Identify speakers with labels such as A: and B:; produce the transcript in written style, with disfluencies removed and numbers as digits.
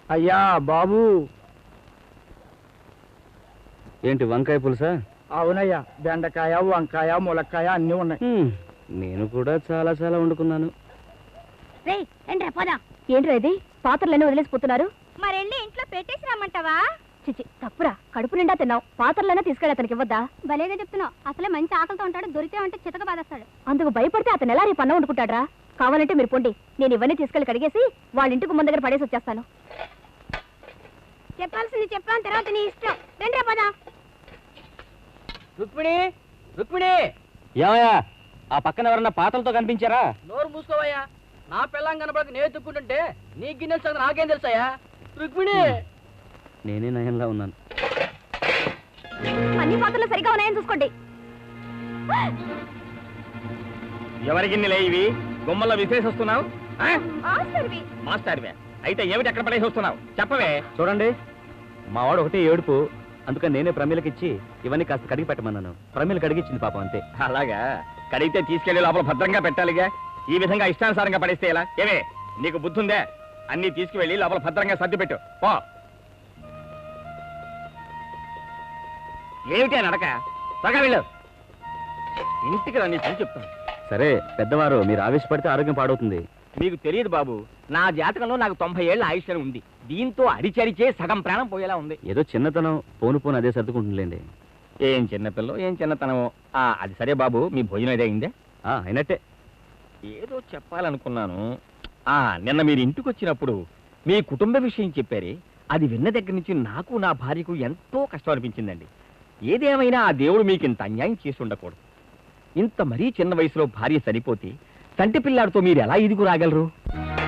A: అయ్యా బాబు.
B: ఏంటి వంకాయ పులుసా?
A: అవునయ్యా, బెండకాయ, వంకాయ, ములక్కాయ అన్నీ ఉన్నాయి.
B: నేను కూడా చాలా చాలా వండుకున్నాను.
C: ఏంట్రా ఇది? పాత్రలన్నీ వదిలేసిపోతున్నారు.
D: మరెళ్ళి ఇంట్లో పెట్టేసి రమ్మంటావా?
C: చిచి తప్పురా, కడుపు నిండా తిన్నావు, పాత్రలైనా తీసుకెళ్ళి అతనికి ఇవ్వద్దా?
D: భలేగా చెప్తున్నావు. అసలే మంచి ఆకలితో ఉంటాడు, దొరికితే అంటే చితక బాధేస్తాడు.
C: అందుకు భయపడితే అతను ఎలా రేపు అన్నం వండుకుంటాడ్రా? కావాలంటే మీరు పొండి, నేను ఇవన్నీ తీసుకెళ్లి కడిగేసి వాళ్ళ ఇంటికి ముందు దగ్గర పడేసి వచ్చేస్తాను.
D: చెప్పాల్సింది చెప్పాను, తర్వాత నీ ఇష్టం. రండి పద.
E: రుక్మిణి, రుక్మిణి!
B: ఏమయ్యా, ఆ పక్కన ఎవరన్నా పాత్రలతో కనిపించారా?
E: నోరు మూసుకోవయ్యా. నా పిల్లం కనపడక నేను ఎత్తుక్కుంటుంటే నీ గిన్నెలు సంగతి నాకేం తెలుసాయా? రుక్మిణి!
B: నేనే నయంగా ఉన్నాను.
C: అన్ని పాత్రలు సరిగా ఉన్నాయని చూసుకోండి.
F: ఎవరి గిన్నెలే ఇవి? గుమ్మల్లో విశేష వస్తున్నావు? మాస్టర్వే అయితే ఏమిటి ఎక్కడ పడేసి వస్తున్నావు? చెప్పవే.
B: చూడండి, మావాడు ఒకటే ఏడుపు, అందుకని నేనే ప్రమీలకిచ్చి ఇవన్నీ కాస్త కడిగి పెట్టమన్నాను. ప్రమీల కడిగిచ్చింది పాపం, అంతే.
F: అలాగా? కడిగితే తీసుకెళ్లి లోపల భద్రంగా పెట్టాలిగా. ఈ విధంగా ఇష్టానుసారంగా పడేస్తే ఎలా? ఏవే, నీకు బుద్ధి ఉందే? అన్ని తీసుకువెళ్ళి లోపల భద్రంగా సర్ది పెట్టు పో. ఏమిటి నడక? త్వరగా వెళ్ళు. ఇంటికి రా, నీ పని చెప్తాను.
B: సరే పెద్దవారు, మీరు ఆవేశపడితే ఆరోగ్యం పాడవుతుంది.
F: మీకు తెలియదు బాబు, నా జాతకంలో నాకు 90 ఏళ్ల ఆయుష్ ఉంది. దీంతో అడిచడిచే సగం ప్రాణం పోయేలా ఉంది.
B: ఏదో చిన్నతనం, పోను పోను అదే సర్దుకుంటుందిలేండి.
F: ఏం చిన్నపిల్లో, ఏం చిన్నతనమో. అది సరే బాబు, మీ భోజనం ఏదో అయిందే?
B: అయినట్టే.
F: ఏదో చెప్పాలనుకున్నాను. నిన్న మీరు ఇంటికి వచ్చినప్పుడు మీ కుటుంబ విషయం చెప్పారే, అది విన్న దగ్గర నుంచి నాకు నా భార్యకు ఎంతో కష్టం అనిపించిందండి. ఏదేమైనా ఆ దేవుడు మీకు ఇంత అన్యాయం చేసి ఉండకూడదు. ఇంత మరీ చిన్న వయసులో భార్య సరిపోతే తంటి పిల్లాడితో మీరు ఎలా ఇదిగు రాగలరు?